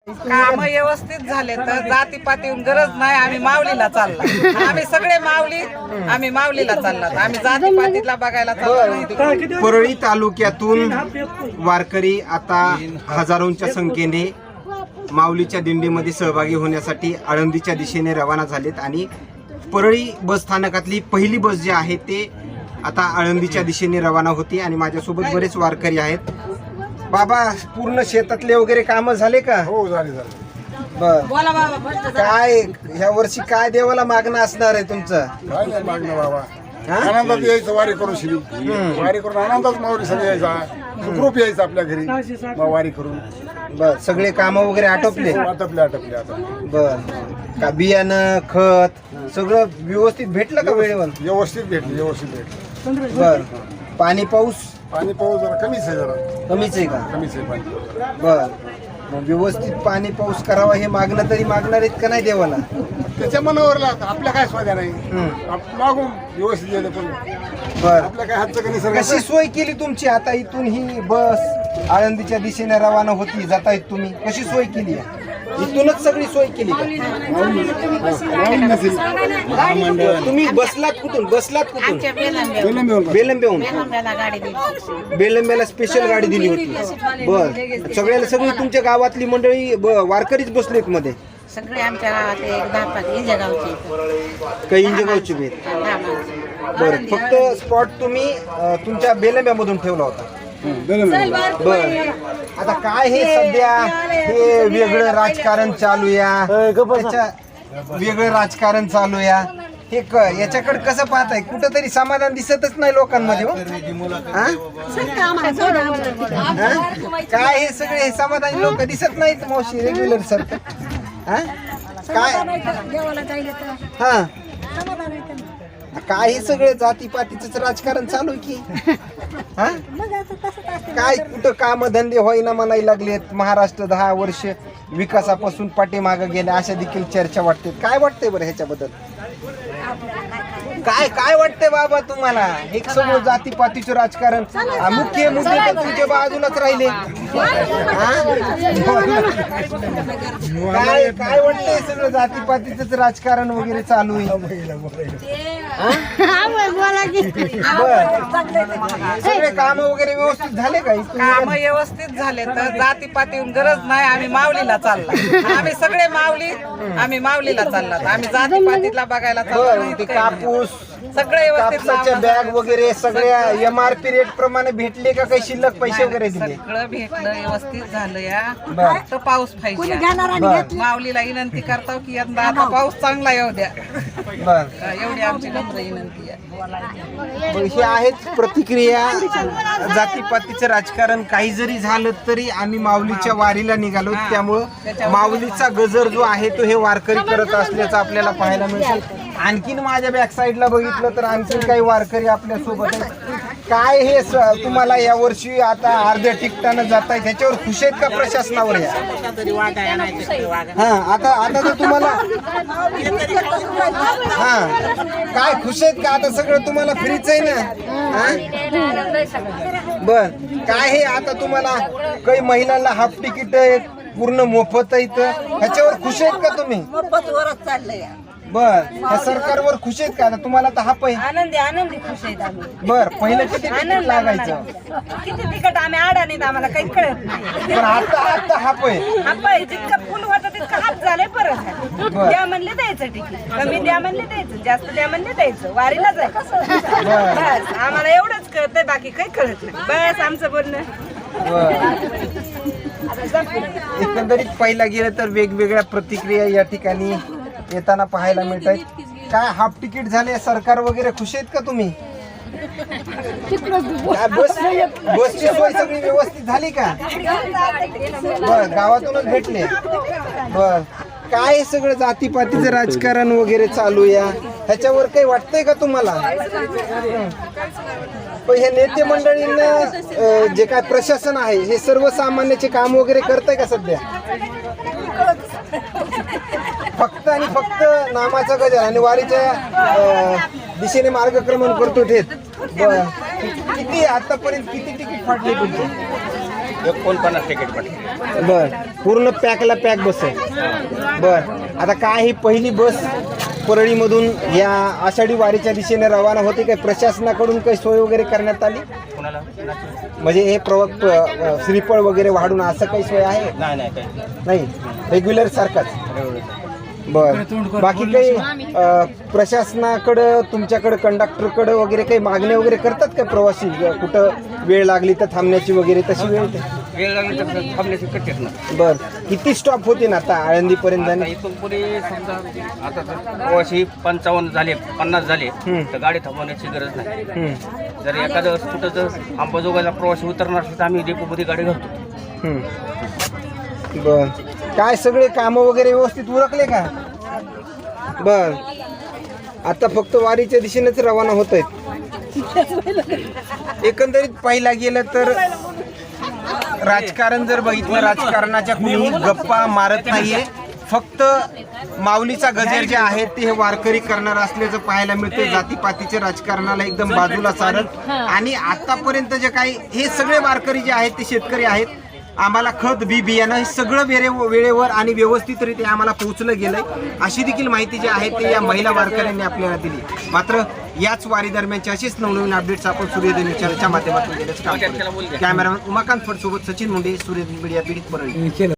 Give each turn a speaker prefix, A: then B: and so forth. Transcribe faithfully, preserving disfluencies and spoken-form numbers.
A: काम व्यवस्थित झाले तर जातीपातीहून गरज नाही. आम्ही माऊलीला चालला, आम्ही सगळे माऊली, आम्ही माऊलीला चाललात, आम्ही जातीपातीला बघायला चाललो.
B: परळी तालुक्यातून वारकरी आता हजारोंच्या संख्येने माऊलीच्या दिंडीमध्ये सहभागी होण्यासाठी आळंदीच्या दिशेने रवाना झालेत आणि परळी बस स्थानकातली पहिली बस जी आहे ते आता आळंदीच्या दिशेने रवाना होती आणि माझ्यासोबत बरेच वारकरी आहेत. बाबा, पूर्ण शेतातले वगैरे काम झाले का?
C: हो, झाले झाले.
B: बर, काय ह्या वर्षी काय देवाला मागणं असणार आहे तुमचं?
C: काय नाही मागणं बाबा, आनंदात यायचं वारी करून श्री वारी करून आनंदात माऊली सगळे यायचा, सुखरूप यायचं आपल्या घरी मग वारी करून.
B: बर, सगळे काम वगैरे आटोपले?
C: आटपले आटपले आता.
B: बर, का बियाणं खत सगळं व्यवस्थित भेटलं का वेळेवर?
C: व्यवस्थित भेटले व्यवस्थित भेटले.
B: बर, पाणी पाऊस
C: पाणी पाऊस जरा कमीच आहे, जरा
B: कमीच आहे का?
C: कमीच आहे पाणी.
B: बर, मग व्यवस्थित पाणी पाऊस करावा हे मागणं तरी मागणार आहेत का नाही देवाला?
C: त्याच्या मनावर लागतं, आपल्या काय स्वाद्या नाही.
B: हम्म.
C: आप- मागून व्यवस्थित गेलं पण
B: बर,
C: आपल्या काय हातचं कधी सर
B: कशी सोय केली तुमची? आता इथून ही बस आळंदीच्या दिशेने रवाना होती, जातायत तुम्ही, कशी सोय केली आहे? इथूनच सगळी सोय केली का? तुम्ही बसलात कुठून? बसलात कुठून? बेलंबेहून. बेलंब्याला स्पेशल गाडी दिली होती. बर, सगळ्याला सगळी तुमच्या गावातली मंडळी ब- वारकरीच बसलेत मध्ये?
D: सगळे आमच्या गावात एक दहा पाच इंजगावचे
B: काही इंजगावची भेट. बर, फक्त स्पॉट तुम्ही अ, तुमच्या बेलंब्यामधून ठेवला होता. बर, आता काय हे सध्या हे वेगळं राजकारण चालू या त्याच्या वेगळं राजकारण चालू या हे क याच्याकडे कसं पाहताय? कुठं तरी समाधान दिसतच नाही लोकांमध्ये. हो? हा? हा? काय हे सगळे हे समाधानी लोक दिसत नाहीत मावशी रेग्युलर सारखं? हा? काय हा काय हे सगळं जातीपातीच राजकारण चालू आहे की? हा? काय कुठं काम धंदे होईना म्हणायला लागलेत. महाराष्ट्र दहा वर्ष विकासापासून पाठीमागे गेले अशा देखील चर्चा वाटते. काय वाटतंय बरं ह्याच्याबद्दल? काय काय वाटतंय बाबा तुम्हाला? हे सगळं जातीपातीचं राजकारण, हा, मुख्य मुद्दे तर तुमच्या बाजूलाच राहिले. हा? काय काय वाटतंय सगळं जातीपातीच राजकारण वगैरे चालू आहे? सगळे काम वगैरे व्यवस्थित झाले का?
A: काम व्यवस्थित झाले तर जातीपातीहून गरज नाही. आम्ही माऊलीला चालला, आम्ही सगळे माऊली, आम्ही माऊलीला चाललात, आम्ही जातीपातीला बघायला चाललो.
B: ते कापूस
A: सगळे व्यवस्थित
B: कापसाच्या बॅग वगैरे सगळ्या एम आर पी रेट प्रमाणे भेटले का? काही शिल्लक पैसे वगैरे दिले?
A: सगळं भेटलं, व्यवस्थित झालं या.
B: बर.
A: फक्त पाऊस पाहिजे.
B: बर,
A: माऊलीला विनंती करतो की यंदा आता पाऊस चांगला येऊ द्या,
B: बर.
A: एवढी आमची नम्र विनंती आहे.
B: मग हे आहेत प्रतिक्रिया. जातीपातीचं राजकारण काही जरी झालं तरी आम्ही माऊलीच्या वारीला निघालो, त्यामुळं माऊलीचा गजर जो आहे तो हे वारकरी करत असल्याचं आपल्याला पाहायला मिळतं. आणखीन माझ्या बॅक साईडला बघितलं तर आणखीन काही वारकरी आपल्या सोबत आहेत. काय हे स- तुम्हाला या वर्षी आता अर्ध्या तिकटानं जात आहे, त्याच्यावर खुश आहेत का प्रशासनावर? या हा आता आता तर तुम्हाला हा काय खुश आहेत का? आता सगळं तुम्हाला फ्रीच आहे ना? हा? बर, काय हे आता तुम्हाला काही महिलांना हाफ तिकीट आहे, पूर्ण मोफत आहे, ह्याच्यावर खुश आहेत का तुम्ही?
D: चाललंय.
B: बर, ह्या सरकारवर खुश आहेत का? आता तुम्हाला तर हाप आहे.
D: आनंदी आनंदी खुश आहेत आम्ही.
B: बर, पहिलं किती तिकीट लागायचं?
D: किती तिकट आम्ही अडाणीत, आम्हाला काही कळत नाही.
B: पण आता आता हाप आहे.
D: आपण जितकं फुल होतं तितकं हात झालंय. परत द्या म्हणले द्यायचं तिकीट, कमी द्या म्हणले द्यायचं, जास्त द्या म्हणले द्यायचं, वारीला जायचं. बस आम्हाला एवढंच कळतंय, बाकी काही कळत नाही. बस आमचं बोलणं.
B: एकंदरीत पाहिला गेलं तर वेगवेगळ्या प्रतिक्रिया या ठिकाणी येताना पाहायला मिळत आहेत. काय हाफ तिकीट झाले, सरकार वगैरे खुश आहेत का तुम्ही? काय बस बसची सोय सगळी व्यवस्थित झाली का? बर, गावातूनच भेटले. बर, काय हे सगळं जातीपातीचं राजकारण वगैरे चालू या ह्याच्यावर काही वाटतंय का तुम्हाला? पण हे नेते मंडळींना अ, जे काय प्रशासन आहे हे सर्वसामान्याचे काम वगैरे करतंय का सध्या? फक्त आणि फक्त नामाचा गजर आणि वारीच्या अ, दिशेने मार्गक्रमण करतो ठेत. बर, किती आतापर्यंत किती तिकीट फाटले तुमचे?
E: एकोणपन्नास तिकीट पडते.
B: बर पूर्ण पॅकला पॅक बस आहे. बर आता काय ही पहिली बस परळीमधून या आषाढी वारीच्या दिशेने रवाना होते. काय प्रशासनाकडून काही सोय वगैरे करण्यात आली?
E: कोणाला?
B: म्हणजे हे प्रवक्त अ, श्रीफळ वगैरे वाढून असं काही सोय आहे?
E: नाही नाही काही
B: नाही रेग्युलर सारखाच.
E: एवढंच.
B: बर बाकी काही अ, प्रशासनाकडं तुमच्याकडं कंडक्टरकडं वगैरे काही मागण्या वगैरे करतात का प्रवासी? कुठं वेळ लागली तर थांबण्याची वगैरे तशी वेळ ते?
E: वेळ लागली तर थांबण्याची कटतेच ना.
B: बर किती स्टॉप होते ना आता आळंदीपर्यंत?
E: आता इथून पुढे समजा आता जर प्रवासी पंचावन्न झाले पन्नास झाले तर गाडी थांबवण्याची गरज नाही.
B: हम्म,
E: जर एखादं कुठं जर अंबाजोगाईला प्रवासी उतरणार असेल तर आम्ही डेपोमध्ये गाडी घालतो.
B: हम्म. बर काय सगळे कामं वगैरे व्यवस्थित उरकले का? बर आता फक्त वारीच्या दिशेनेच रवाना होत आहेत. एकंदरीत पाहिला गेलं तर राजकारण जर बघितलं, राजकारणाच्या कुणीही गप्पा मारत नाहीये. फक्त माऊलीचा गजर जे आहे ते हे वारकरी करणार असल्याचं पाहायला मिळते. जातीपातीच्या राजकारणाला एकदम बाजूला सारत आणि आतापर्यंत जे काही हे सगळे वारकरी जे आहेत ते शेतकरी आहेत. आम्हाला खत बी बियाणं हे सगळं वेळे वेळेवर आणि व्यवस्थितरित्या आम्हाला पोहोचलं गेलंय अशी देखील माहिती जी आहे ते या महिला वारकऱ्यांनी आपल्याला दिली. मात्र याच वारी दरम्यानचे असेच नवनवीन अपडेट्स आपण सूर्योदय न्यूजच्या माध्यमातून देण्याचं काम करतो. कॅमेरामॅन उमाकांत फड सोबत सचिन मुंडे, सूर्योदय मीडिया पीडित परळी.